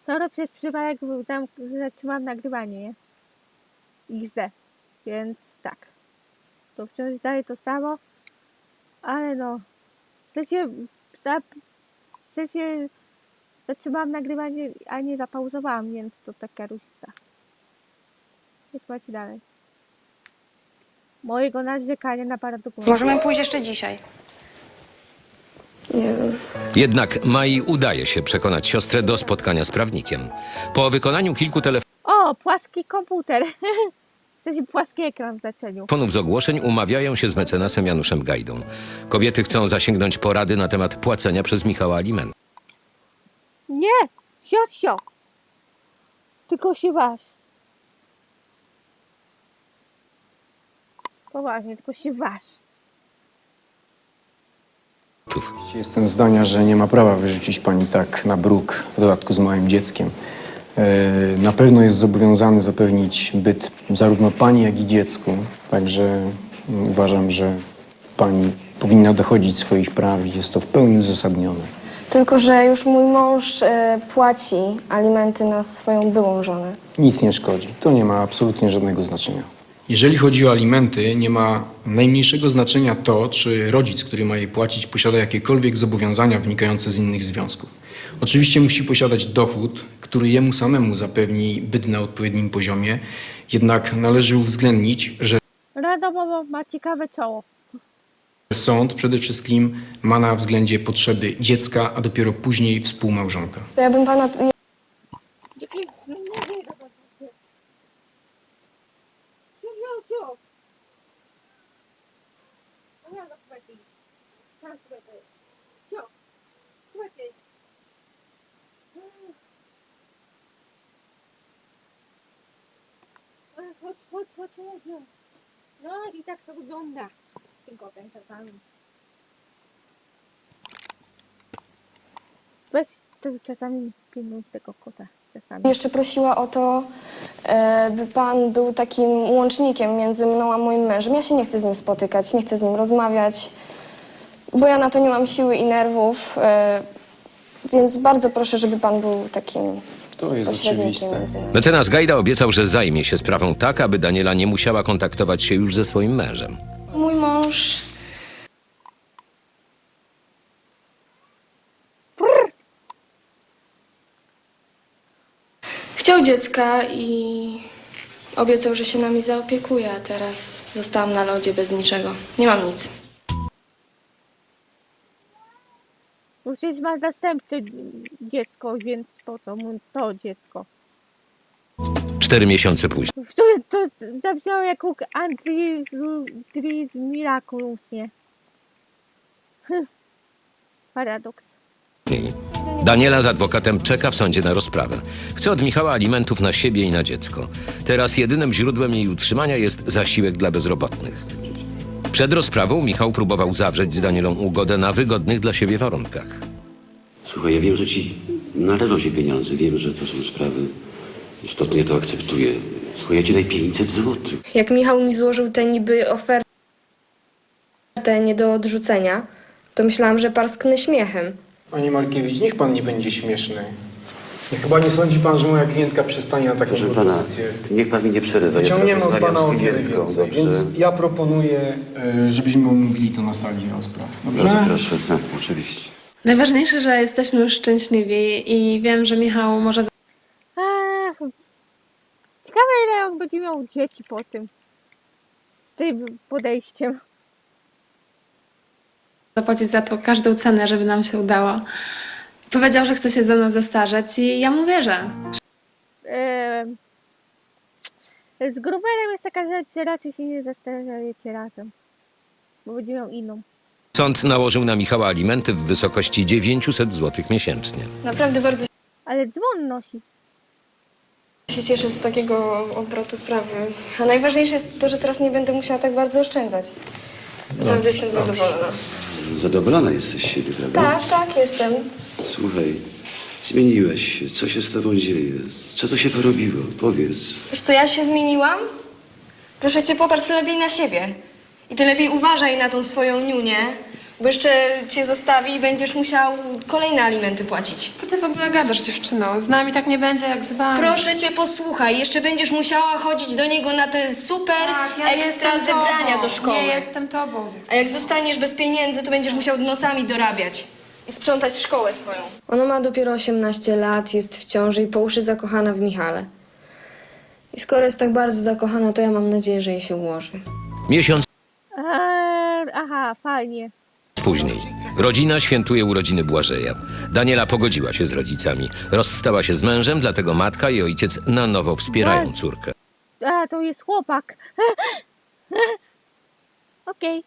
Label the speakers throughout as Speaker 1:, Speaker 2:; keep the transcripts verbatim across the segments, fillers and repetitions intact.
Speaker 1: Skoro przez przypadek zatrzymałam nagrywanie, nie? iks de. Więc tak. To wciąż dalej to samo. Ale no. W sensie, w sensie zatrzymałam nagrywanie, a nie zapauzowałam, więc to taka różnica. Więc macie dalej. Mojego narzekania na paradokumentu.
Speaker 2: Możemy pójść jeszcze dzisiaj.
Speaker 3: Nie wiem.
Speaker 4: Jednak Mai udaje się przekonać siostrę do spotkania z prawnikiem. Po wykonaniu kilku
Speaker 1: O, płaski komputer. W sensie płaski ekran w znaczeniu.
Speaker 4: telefonów z ogłoszeń umawiają się z mecenasem Januszem Gajdą. Kobiety chcą zasięgnąć porady na temat płacenia przez Michała alimentów.
Speaker 1: Nie! Siosio! Tylko się waż. Poważnie, tylko się waż.
Speaker 5: Jestem zdania, że nie ma prawa wyrzucić pani tak na bruk, w dodatku z małym dzieckiem. E, Na pewno jest zobowiązany zapewnić byt zarówno pani, jak i dziecku. Także uważam, że pani powinna dochodzić swoich praw i jest to w pełni uzasadnione.
Speaker 3: Tylko że już mój mąż e, płaci alimenty na swoją byłą żonę.
Speaker 5: Nic nie szkodzi. To nie ma absolutnie żadnego znaczenia. Jeżeli chodzi o alimenty, nie ma najmniejszego znaczenia to, czy rodzic, który ma je płacić, posiada jakiekolwiek zobowiązania wynikające z innych związków. Oczywiście musi posiadać dochód, który jemu samemu zapewni byt na odpowiednim poziomie, jednak należy uwzględnić, że
Speaker 1: Radomowo ma ciekawe czoło.
Speaker 5: sąd przede wszystkim ma na względzie potrzeby dziecka, a dopiero później współmałżonka.
Speaker 3: To ja bym pana...
Speaker 1: Jakieś... Chodź, chodź, chodź, chodź. No i tak to wygląda. Z tym kotem czasami. Weź to czasami pilnuj tego kota. Czasami.
Speaker 3: Jeszcze prosiła o to, e, by pan był takim łącznikiem między mną a moim mężem. Ja się nie chcę z nim spotykać, nie chcę z nim rozmawiać, bo ja na to nie mam siły i nerwów. E, więc bardzo proszę, żeby pan był takim
Speaker 5: To jest
Speaker 3: pośrednikiem
Speaker 5: oczywiste.
Speaker 3: między nami.
Speaker 4: Mecenas Gajda obiecał, że zajmie się sprawą tak, aby Daniela nie musiała kontaktować się już ze swoim mężem.
Speaker 3: Mój mąż... Chciał dziecka i obiecał, że się nami zaopiekuje, a teraz zostałam na lodzie bez niczego. Nie mam nic.
Speaker 1: Bo przecież ma zastępcze dziecko, więc po co mu to dziecko?
Speaker 4: Cztery miesiące później.
Speaker 1: To, to zabrzmiało jak u Andris Miraculous, nie? Hm. Paradoks.
Speaker 4: Daniela z adwokatem czeka w sądzie na rozprawę. Chce od Michała alimentów na siebie i na dziecko. Teraz jedynym źródłem jej utrzymania jest zasiłek dla bezrobotnych. Przed rozprawą Michał próbował zawrzeć z Danielą ugodę na wygodnych dla siebie warunkach.
Speaker 6: Słuchaj, ja wiem, że ci należą się pieniądze, wiem, że to są sprawy istotne, ja to akceptuję. Słuchaj, ja ci daj pięćset złotych.
Speaker 3: Jak Michał mi złożył tę niby ofertę nie do odrzucenia, to myślałam, że parsknę śmiechem.
Speaker 5: Panie Markiewicz, niech pan nie będzie śmieszny. I chyba nie sądzi pan, że moja klientka przystanie na taką
Speaker 6: Proszę pana,
Speaker 5: propozycję.
Speaker 6: niech pan mi nie przerywa, ja teraz
Speaker 5: Wyciągniemy od
Speaker 6: rozmawiam
Speaker 5: pana o
Speaker 6: z
Speaker 5: wiele
Speaker 6: klientką,
Speaker 5: więcej,
Speaker 6: dobrze?
Speaker 5: więc ja proponuję, y, żebyśmy omówili to na sali rozpraw. Dobrze?
Speaker 6: Proszę, proszę, tak, oczywiście.
Speaker 7: Najważniejsze, że jesteśmy już szczęśliwi i wiem, że Michał może
Speaker 1: Ach, ciekawe ile on będzie miał dzieci po tym. Z tym podejściem.
Speaker 7: zapłacić za to każdą cenę, żeby nam się udało. Powiedział, że chce się ze mną zestarzeć i ja mu wierzę.
Speaker 1: Ehm, z Gruberem jest taka rzecz, że raczej się nie zastanawiacie razem. Bo będzie miał inną.
Speaker 4: Sąd nałożył na Michała alimenty w wysokości dziewięćset złotych miesięcznie.
Speaker 3: Naprawdę bardzo
Speaker 1: Ale dzwon nosi.
Speaker 3: się cieszę z takiego obrotu sprawy. A najważniejsze jest to, że teraz nie będę musiała tak bardzo oszczędzać. Naprawdę jestem zadowolona.
Speaker 6: Zadowolona jesteś z siebie, prawda?
Speaker 3: Tak, tak, jestem.
Speaker 6: Słuchaj, zmieniłeś się, co się z tobą dzieje? Co to się porobiło? Powiedz.
Speaker 3: Wiesz co, ja się zmieniłam? Proszę cię, popatrz lepiej na siebie. I ty lepiej uważaj na tą swoją niunię, Bo jeszcze cię zostawi i będziesz musiał kolejne alimenty płacić.
Speaker 7: Co ty w ogóle gadasz, dziewczyno? Z nami tak nie będzie jak z wami.
Speaker 3: Proszę cię, posłuchaj, jeszcze będziesz musiała chodzić do niego na te super
Speaker 7: Tak, ja
Speaker 3: ekstra
Speaker 7: jestem
Speaker 3: zebrania
Speaker 7: tobą.
Speaker 3: do szkoły.
Speaker 7: Nie jestem tobą.
Speaker 3: A jak zostaniesz bez pieniędzy, to będziesz musiał nocami dorabiać i sprzątać szkołę swoją. Ona ma dopiero osiemnaście lat, jest w ciąży i po uszy zakochana w Michale. I skoro jest tak bardzo zakochana, to ja mam nadzieję, że jej się ułoży.
Speaker 4: Miesiąc
Speaker 1: Eee, aha, fajnie.
Speaker 4: później. Rodzina świętuje urodziny Błażeja. Daniela pogodziła się z rodzicami. Rozstała się z mężem, dlatego matka i ojciec na nowo wspierają córkę.
Speaker 1: A, to jest chłopak. Okej.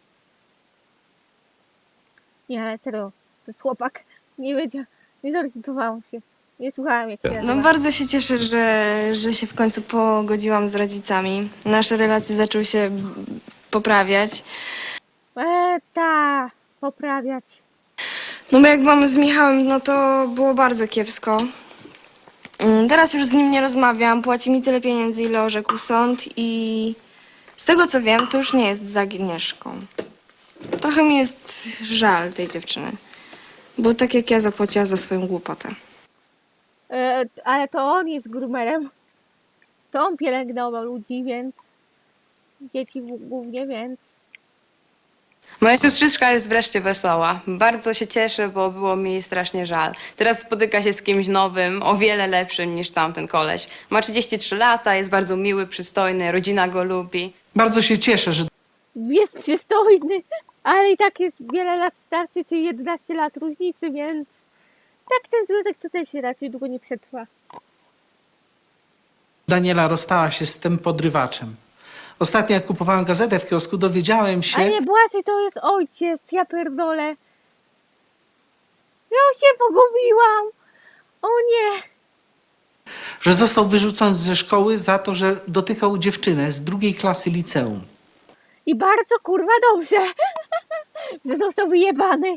Speaker 1: Nie, ale serio, to jest chłopak. Nie wiedziałam, nie zorientowałam się. Nie słuchałam, jak się nazywa.
Speaker 3: No bardzo się cieszę, że, że się w końcu pogodziłam z rodzicami. Nasze relacje zaczęły się poprawiać.
Speaker 1: Eee, ta, poprawiać.
Speaker 3: No bo jak mamy z Michałem, no to było bardzo kiepsko. Mm, Teraz już z nim nie rozmawiam, płaci mi tyle pieniędzy, ile orzekł sąd i z tego co wiem, to już nie jest z Agnieszką. Trochę mi jest żal tej dziewczyny, bo tak jak ja zapłaciła za swoją głupotę.
Speaker 1: E, ale to on jest groomerem. To on pielęgnował ludzi, więc... Dzieci w- głównie, więc...
Speaker 2: Moja siostrzyczka jest wreszcie wesoła. Bardzo się cieszę, bo było mi jej strasznie żal. Teraz spotyka się z kimś nowym, o wiele lepszym niż tamten koleś. Ma trzydzieści trzy lata, jest bardzo miły, przystojny, rodzina go lubi.
Speaker 8: Bardzo się cieszę, że
Speaker 1: Jest przystojny, ale i tak jest wiele lat starszy, czyli jedenaście lat różnicy, więc... Tak, ten związek to też się raczej długo nie przetrwa.
Speaker 8: Daniela rozstała się z tym podrywaczem. Ostatnio jak kupowałem gazetę w kiosku, dowiedziałem się,
Speaker 1: A nie, Błażej to jest ojciec, ja pierdolę. Ja już się pogubiłam. O nie.
Speaker 8: że został wyrzucony ze szkoły za to, że dotykał dziewczynę z drugiej klasy liceum.
Speaker 1: I bardzo kurwa dobrze, że został wyjebany.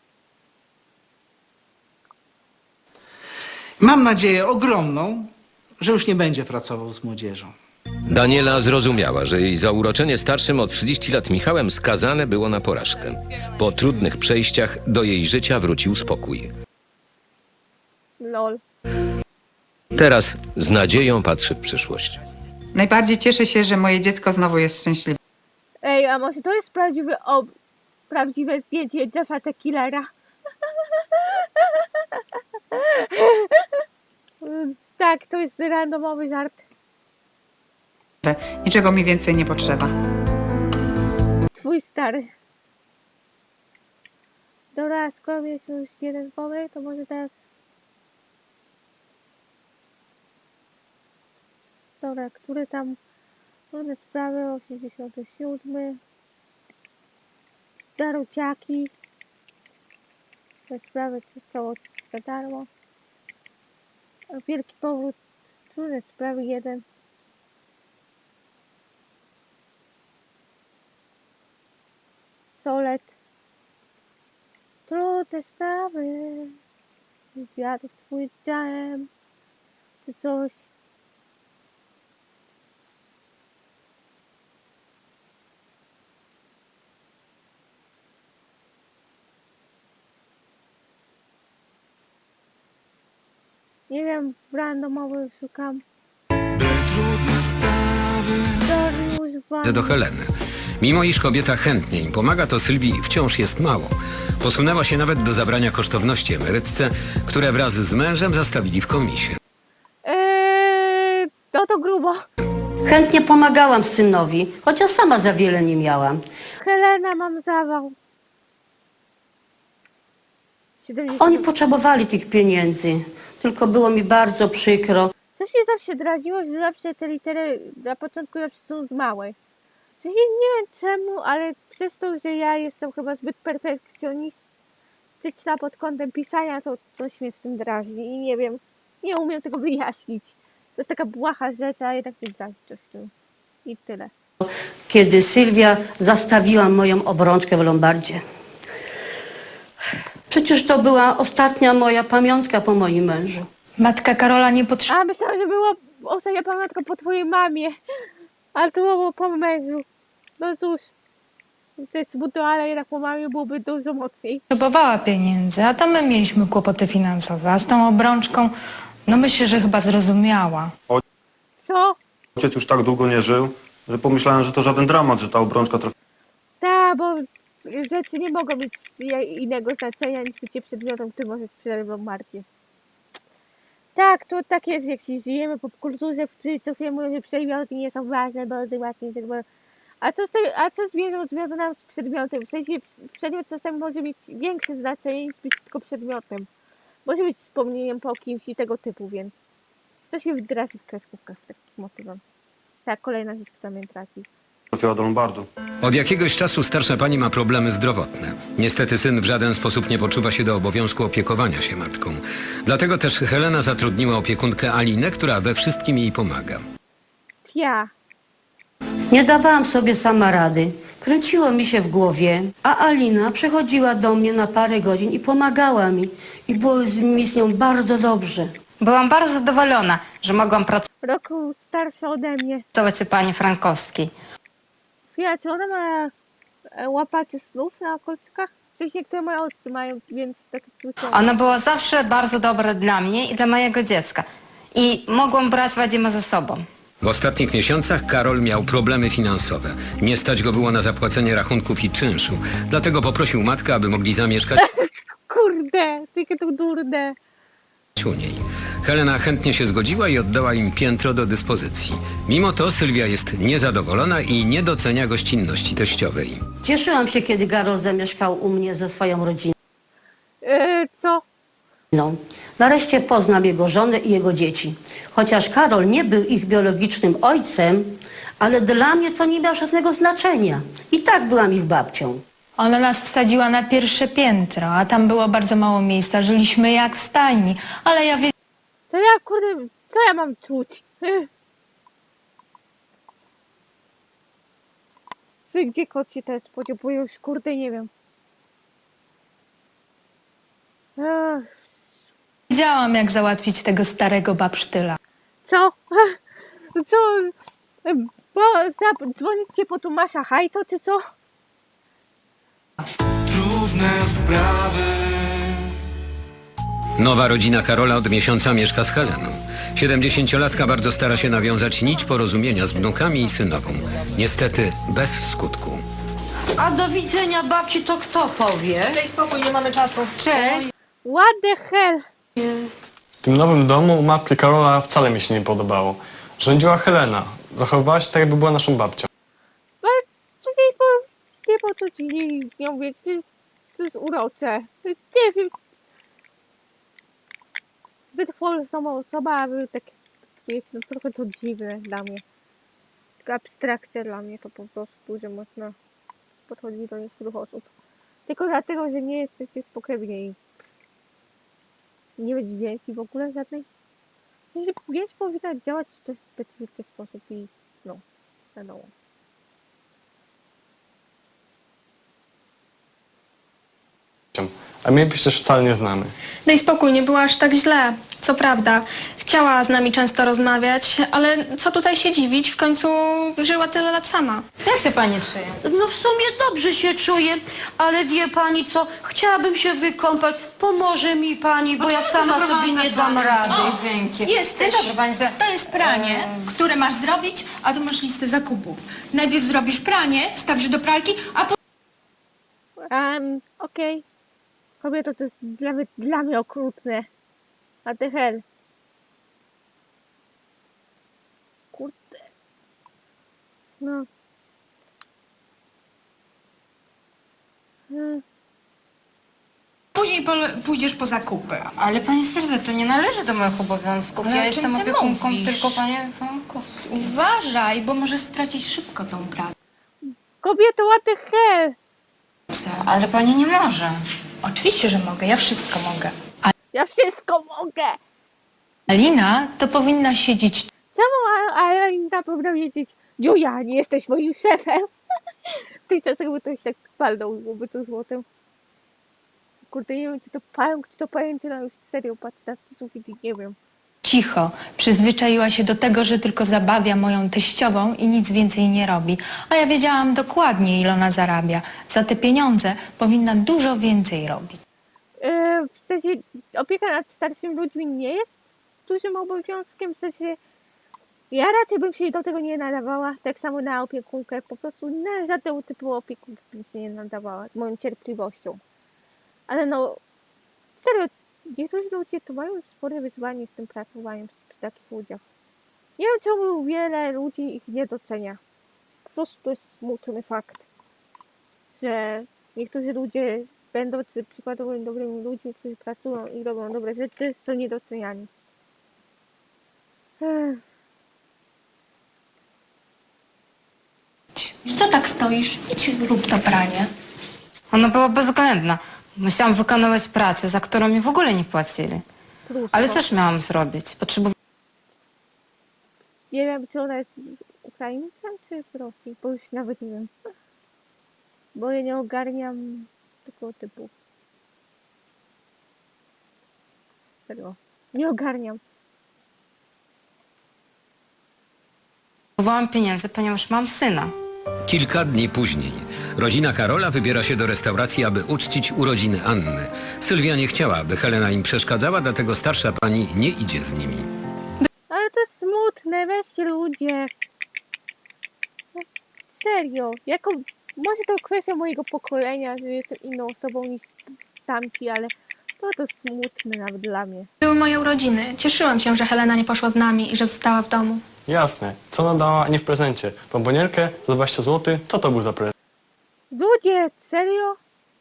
Speaker 8: Mam nadzieję ogromną, że już nie będzie pracował z młodzieżą.
Speaker 4: Daniela zrozumiała, że jej zauroczenie starszym o trzydzieści lat Michałem skazane było na porażkę. Po trudnych przejściach do jej życia wrócił spokój.
Speaker 1: Lol.
Speaker 4: Teraz z nadzieją patrzy w przyszłość.
Speaker 9: Najbardziej cieszę się, że moje dziecko znowu jest szczęśliwe.
Speaker 1: Ej, a może to jest prawdziwy ob... prawdziwe zdjęcie Jeffa the Killera? Tak, to jest randomowy żart.
Speaker 9: Niczego mi więcej nie potrzeba.
Speaker 1: Twój stary. Dobra, skoro mieliśmy już jeden pomysł, to może teraz... Dobra, który tam... Różne sprawy, osiemdziesiąty siódmy. Daruciaki. Te sprawy, co cało za darmo. Wielki powrót. Trudne sprawy, jeden. Solet. Trudne sprawy. Zjadł twój dżem. Czy coś. Nie wiem, randomowy szukam. Dariusz Van-
Speaker 10: do Heleny. Mimo iż kobieta chętnie im pomaga, to Sylwii wciąż jest mało. Posunęła się nawet do zabrania kosztowności emerytce, które wraz z mężem zastawili w komisie.
Speaker 1: Eee, no to grubo.
Speaker 11: Chętnie pomagałam synowi, chociaż sama za wiele nie miałam.
Speaker 1: Helena, mam zawał. siedemdziesiąt.
Speaker 11: Oni potrzebowali tych pieniędzy, tylko było mi bardzo przykro.
Speaker 1: Coś mnie zawsze draziło, że zawsze te litery na początku zawsze są z małej. W sensie nie wiem czemu, ale przez to, że ja jestem chyba zbyt perfekcjonistyczna pod kątem pisania, to coś mnie w tym drażni i nie wiem, nie umiem tego wyjaśnić. To jest taka błaha rzecz, a jednak mnie drażni coś w tym. I tyle.
Speaker 11: Kiedy Sylwia zastawiła moją obrączkę w Lombardzie. Przecież to była ostatnia moja pamiątka po moim mężu.
Speaker 7: Matka Karola nie potrzebuje.
Speaker 1: A myślałam, że była ostatnia pamiątka po twojej mamie, ale to było po mężu. No cóż, Te smutno, ale jednak po mamie byłoby dużo mocniej.
Speaker 12: Potrzebowała pieniędzy, a to my mieliśmy kłopoty finansowe, a z tą obrączką, no myślę, że chyba zrozumiała.
Speaker 1: Co?
Speaker 13: Ojciec już tak długo nie żył, że pomyślałem, że to żaden dramat, że ta obrączka trafi.
Speaker 1: Tak, bo rzeczy nie mogą mieć innego znaczenia niż bycie przedmiotem, który może sprzedać wam marki. Tak, to tak jest, jak się żyjemy po kulturze, w której co chwilę mówią, że przedmioty nie są ważne, bo ty właśnie tak, bo... A co z tego, a co z wierzą związaną z przedmiotem? W sensie przedmiot czasem może mieć większe znaczenie niż być tylko przedmiotem. Może być wspomnieniem po kimś i tego typu, więc coś mi wydrasi w kreskówkach z takim motywem. Tak, kolejna rzecz, która mnie traci.
Speaker 13: Trafiła do Lombardu.
Speaker 10: Od jakiegoś czasu starsza pani ma problemy zdrowotne. Niestety syn w żaden sposób nie poczuwa się do obowiązku opiekowania się matką. Dlatego też Helena zatrudniła opiekunkę Alinę, która we wszystkim jej pomaga.
Speaker 1: Ja.
Speaker 11: Nie dawałam sobie sama rady. Kręciło mi się w głowie, a Alina przychodziła do mnie na parę godzin i pomagała mi. I było mi z nią bardzo dobrze.
Speaker 9: Byłam bardzo zadowolona, że mogłam
Speaker 1: Roku starsza ode mnie.
Speaker 9: pracować u pani Frankowskiej.
Speaker 1: Chwila, czy ona ma e, łapacze snów na kolczykach? Przecież niektóre moje ojcy mają, więc tak słyszałam.
Speaker 9: Ona była zawsze bardzo dobra dla mnie i dla mojego dziecka. I mogłam brać Wadima ze sobą.
Speaker 10: W ostatnich miesiącach Karol miał problemy finansowe. Nie stać go było na zapłacenie rachunków i czynszu. Dlatego poprosił matkę, aby mogli zamieszkać
Speaker 1: Kurde, tylko to durne.
Speaker 10: u niej. Helena chętnie się zgodziła i oddała im piętro do dyspozycji. Mimo to Sylwia jest niezadowolona i nie docenia gościnności teściowej.
Speaker 11: Cieszyłam się, kiedy Karol zamieszkał u mnie ze swoją rodziną.
Speaker 1: E, co?
Speaker 11: Nareszcie poznam jego żonę i jego dzieci. Chociaż Karol nie był ich biologicznym ojcem, ale dla mnie to nie miało żadnego znaczenia. I tak byłam ich babcią.
Speaker 12: Ona nas wsadziła na pierwsze piętro, a tam było bardzo mało miejsca. Żyliśmy jak w stajni, ale ja wiedziałam,
Speaker 1: To ja, kurde, co ja mam czuć? Wy, gdzie kot się teraz podział? Bo już, kurde, nie wiem. Ach,
Speaker 12: wiedziałam, jak załatwić tego starego babsztyla.
Speaker 1: co? Co? Bo dzwonicie po Tomasza Hajto, czy co?
Speaker 8: Trudne sprawy.
Speaker 10: Nowa rodzina Karola od miesiąca mieszka z Heleną. Siedemdziesięciolatka bardzo stara się nawiązać nić porozumienia z wnukami i synową. Niestety bez skutku.
Speaker 11: A do widzenia babci to kto powie?
Speaker 3: Daj spokój, nie mamy czasu.
Speaker 9: Cześć.
Speaker 1: What the hell?
Speaker 13: W tym nowym domu matki Karola wcale mi się nie podobało. Rządziła Helena. Zachowywała się tak, jakby była naszą babcią.
Speaker 1: Ale przecież po, nie po to ci z nią wiedzieć, przecież to jest urocze. Nie wiem. Zbyt sama osoba, aby tak, wiecie, no trochę to dziwne dla mnie. Taka abstrakcja dla mnie to po prostu, że można podchodzić do niektórych osób. Tylko dlatego, że nie jesteście spokrewnieni. Nie być więzi w ogóle żadnej. Że więź powinna działać w dość specyficzny sposób i no, wiadomo.
Speaker 13: A my przecież wcale nie znamy.
Speaker 3: Daj spokój, nie było aż tak źle. Co prawda, chciała z nami często rozmawiać, ale co tutaj się dziwić, w końcu żyła tyle lat sama.
Speaker 9: Jak się pani czuje?
Speaker 11: No w sumie dobrze się czuję, ale wie pani co, chciałabym się wykąpać. Pomoże mi pani, bo ja sama sobie nie dam rady.
Speaker 9: Dzięki.
Speaker 12: Jesteś.
Speaker 9: Dzień dobry, pani.
Speaker 12: To jest pranie, które masz zrobić, a tu masz listę zakupów. Najpierw zrobisz pranie, wstawisz do pralki, a potem...
Speaker 1: Um, okej. Okay. Kobieto, to jest dla mnie, dla mnie okrutne. A ty hell. Kurde. No. Hmm.
Speaker 12: Później pole- pójdziesz po zakupy.
Speaker 9: Ale pani Sylwia, to nie należy do moich obowiązków.
Speaker 12: Ale
Speaker 9: Ja
Speaker 12: o czym
Speaker 9: jestem
Speaker 12: ty
Speaker 9: opiekunką
Speaker 12: mówisz?
Speaker 9: tylko pani Frankowskiej.
Speaker 12: Uważaj, bo możesz stracić szybko tą pracę.
Speaker 1: Kobieto, what the hell?
Speaker 9: Ale pani nie może.
Speaker 12: Oczywiście, że mogę, ja wszystko mogę.
Speaker 1: Ja wszystko mogę.
Speaker 12: Alina to powinna siedzieć
Speaker 1: Czemu Alina powinna wiedzieć? Dziuja, nie jesteś moim szefem. W tych czasach by ktoś tak palnął, byłoby to złotem. Kurde, nie wiem, czy to pająk, czy to pajęczyna, już serio patrzę na ten sufit i nie wiem.
Speaker 12: cicho. Przyzwyczaiła się do tego, że tylko zabawia moją teściową i nic więcej nie robi. A ja wiedziałam dokładnie, ile ona zarabia. Za te pieniądze powinna dużo więcej robić.
Speaker 1: Yy, w sensie opieka nad starszymi ludźmi nie jest dużym obowiązkiem, w sensie ja raczej bym się do tego nie nadawała, tak samo na opiekunkę, po prostu na żadnego typu opiekunkę bym się nie nadawała, z moją cierpliwością. Ale no, serio, niektórzy ludzie to mają spore wyzwanie z tym pracowaniem przy takich ludziach. Nie wiem, czemu wiele ludzi ich nie docenia. Po prostu to jest smutny fakt, że niektórzy ludzie, będący przykładowo dobrymi ludźmi, którzy pracują i robią dobre rzeczy, są niedoceniani. Ech.
Speaker 12: Co tak stoisz? Idź rób to pranie.
Speaker 9: Ono było bezwzględne. Musiałam wykonywać pracę, za którą mi w ogóle nie płacili. Ale cóż miałam zrobić? Potrzebowałam...
Speaker 1: Nie wiem, czy ona jest Ukraińcem, czy z Rosji, bo już nawet nie wiem. Bo ja nie ogarniam tego typu. Tego. Nie ogarniam.
Speaker 9: Potrzebowałam pieniędzy, ponieważ mam syna.
Speaker 4: Kilka dni później rodzina Karola wybiera się do restauracji, aby uczcić urodziny Anny. Sylwia nie chciała, aby Helena im przeszkadzała, dlatego starsza pani nie idzie z nimi.
Speaker 1: Ale to jest smutne, weźcie ludzie. No, serio, jako, może to kwestia mojego pokolenia, że jestem inną osobą niż tamci, ale to to smutne nawet dla mnie.
Speaker 12: Były moje urodziny. Cieszyłam się, że Helena nie poszła z nami i że została w domu.
Speaker 13: Jasne. Co ona dała, a nie w prezencie? Bombonierkę za dwadzieścia złotych? Co to był za prezent?
Speaker 1: Ludzie, serio?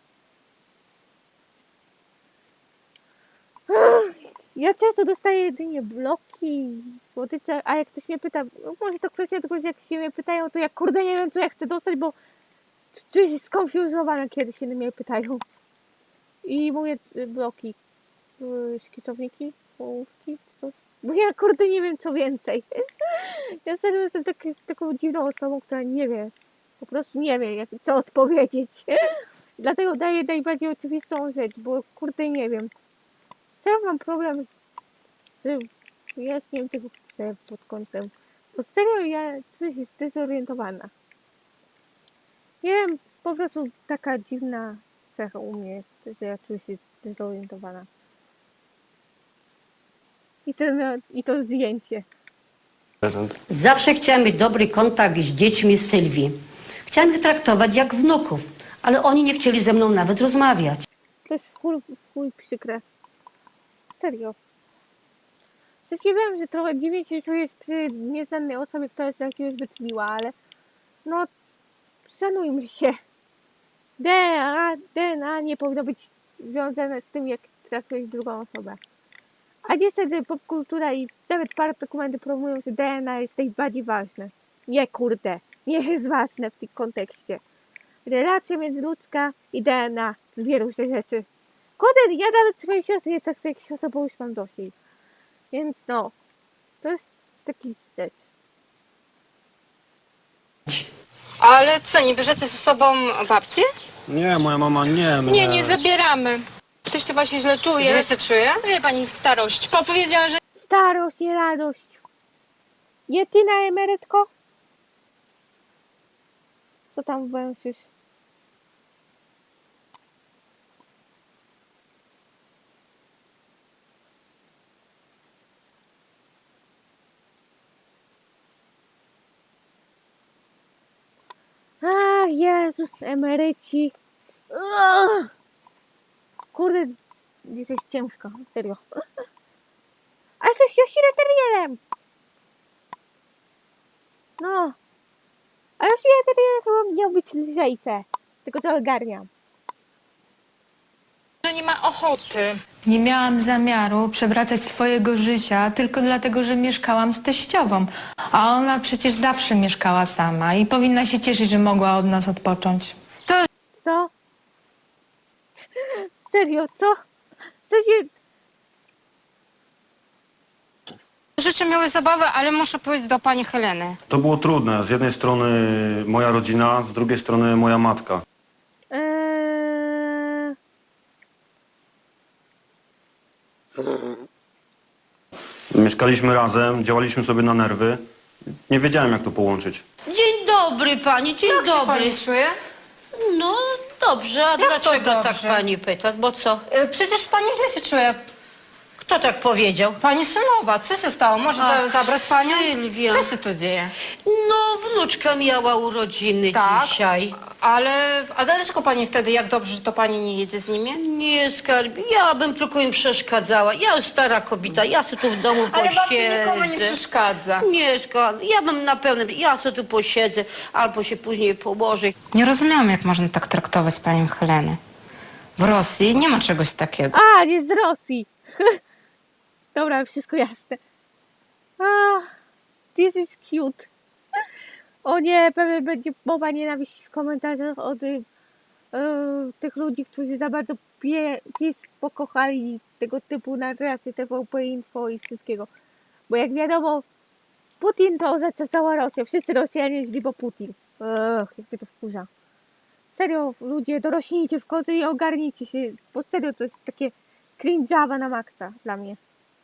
Speaker 1: Ja często dostaję jedynie bloki, słodycze, a jak ktoś mnie pyta, no może to kwestia tego, że jak się mnie pytają, to ja kurde nie wiem, co ja chcę dostać, bo czuję się skonfuzowana, kiedy się mnie pytają. I mówię y, bloki, y, szkicowniki, ołówki, coś. Bo ja kurde nie wiem, co więcej. Ja serio jestem tak, taką dziwną osobą, która nie wie. Po prostu nie wiem, jak, co odpowiedzieć. Dlatego daję najbardziej oczywistą rzecz, bo kurde nie wiem. Serio mam problem z, z wyjaśnieniem tego pod kątem. Bo serio ja czuję się zdezorientowana. Nie wiem, po prostu taka dziwna cecha u mnie jest, że ja czuję się zdezorientowana. I, ten, i to zdjęcie.
Speaker 13: Prezent.
Speaker 11: Zawsze chciałam mieć dobry kontakt z dziećmi Sylwii. Chciałam ich traktować jak wnuków, ale oni nie chcieli ze mną nawet rozmawiać.
Speaker 1: To jest w chuj, w chuj przykre. Serio. W sensie wiem, że trochę dziwnie się czujesz przy nieznanej osobie, która jest dla ciebie zbyt miła, ale no szanujmy się. D N A, D N A nie powinno być związane z tym, jak traktujesz drugą osobę. A niestety popkultura i nawet parę dokumentów promują, że D N A jest najbardziej ważne. Nie kurde, nie jest ważne w tym kontekście. Relacja międzyludzka i D N A to dwie różne rzeczy. Kurde, ja nawet swojej siostry nie traktuję jak siostrę, bo już mam dość jej. Więc no, to jest taki rzecz.
Speaker 9: Ale co, nie bierzecie ze sobą babci?
Speaker 13: Nie, moja mama nie.
Speaker 12: Nie, nie zabieramy. Teściowa się źle czuje.
Speaker 9: Źle się czuje?
Speaker 12: Wie pani, starość. Powiedziała, że
Speaker 1: Starość, nie radość. Nie ty na emerytko? Co tam węszysz? Ach, Jezus, emeryci. Ugh. Kurde, jesteś ciężka, serio. A jesteś Yoshida-terrierem! No. A Yoshida-terrier chyba miał być lżejsze. Tylko to ogarniam.
Speaker 12: że nie ma ochoty. Nie miałam zamiaru przewracać swojego życia tylko dlatego, że mieszkałam z teściową. A ona przecież zawsze mieszkała sama i powinna się cieszyć, że mogła od nas odpocząć.
Speaker 9: To
Speaker 1: Co? Serio, co? W sensie...
Speaker 9: życzę miłej zabawy, ale muszę pójść do pani Heleny.
Speaker 6: To było trudne. Z jednej strony moja rodzina, z drugiej strony moja matka.
Speaker 1: Eee...
Speaker 14: Mieszkaliśmy razem, działaliśmy sobie na nerwy. Nie wiedziałem, jak to połączyć.
Speaker 11: Dzień dobry pani, dzień
Speaker 9: Jak się
Speaker 11: dobry.
Speaker 9: pani czuje?
Speaker 11: No dobrze, a
Speaker 9: Jak to
Speaker 11: dlaczego tak
Speaker 9: dobrze?
Speaker 11: pani pyta? Bo co?
Speaker 9: E, Przecież pani źle się czuje.
Speaker 11: Kto tak powiedział?
Speaker 9: Pani synowa, co się stało? Może
Speaker 11: Ach,
Speaker 9: za- zabrać panią?
Speaker 11: Sylwia.
Speaker 9: Co się tu dzieje?
Speaker 11: No, wnuczka miała urodziny
Speaker 9: Tak.
Speaker 11: dzisiaj.
Speaker 9: Ale, a dlaczego pani wtedy, jak dobrze, że to pani nie jedzie z nimi?
Speaker 11: Nie, skarbie, ja bym tylko im przeszkadzała. Ja już stara kobieta, ja sobie tu w domu
Speaker 9: Ale babci
Speaker 11: posiedzę.
Speaker 9: nikomu nie przeszkadza.
Speaker 11: Nie, skarbie, ja bym na pewno, ja sobie tu posiedzę, albo się później położę.
Speaker 9: Nie rozumiem, jak można tak traktować panią Helenę. W Rosji nie ma czegoś takiego.
Speaker 1: A, nie z Rosji. Dobra, wszystko jasne. Ah, this is cute. O nie, pewnie będzie mowa nienawiści w komentarzach od y, tych ludzi, którzy za bardzo pie, pies pokochali tego typu narracje T V P Info i wszystkiego. Bo jak wiadomo, Putin to oznacza cała Rosja. Wszyscy Rosjanie źli, bo Putin. Ugh, jak mnie to wkurza. Serio, ludzie, dorośnijcie w końcu i ogarnijcie się. Bo serio, to jest takie cringe'awa na maksa dla mnie.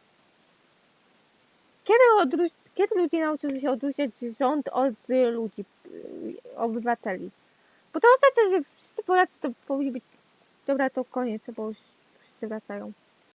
Speaker 1: Kiedy, odróż... Kiedy ludzie nauczą się odróżniać rząd od y, ludzi, y, obywateli? Bo to oznacza, że wszyscy Polacy to powinni być... Dobra, to koniec, bo już wszyscy wracają.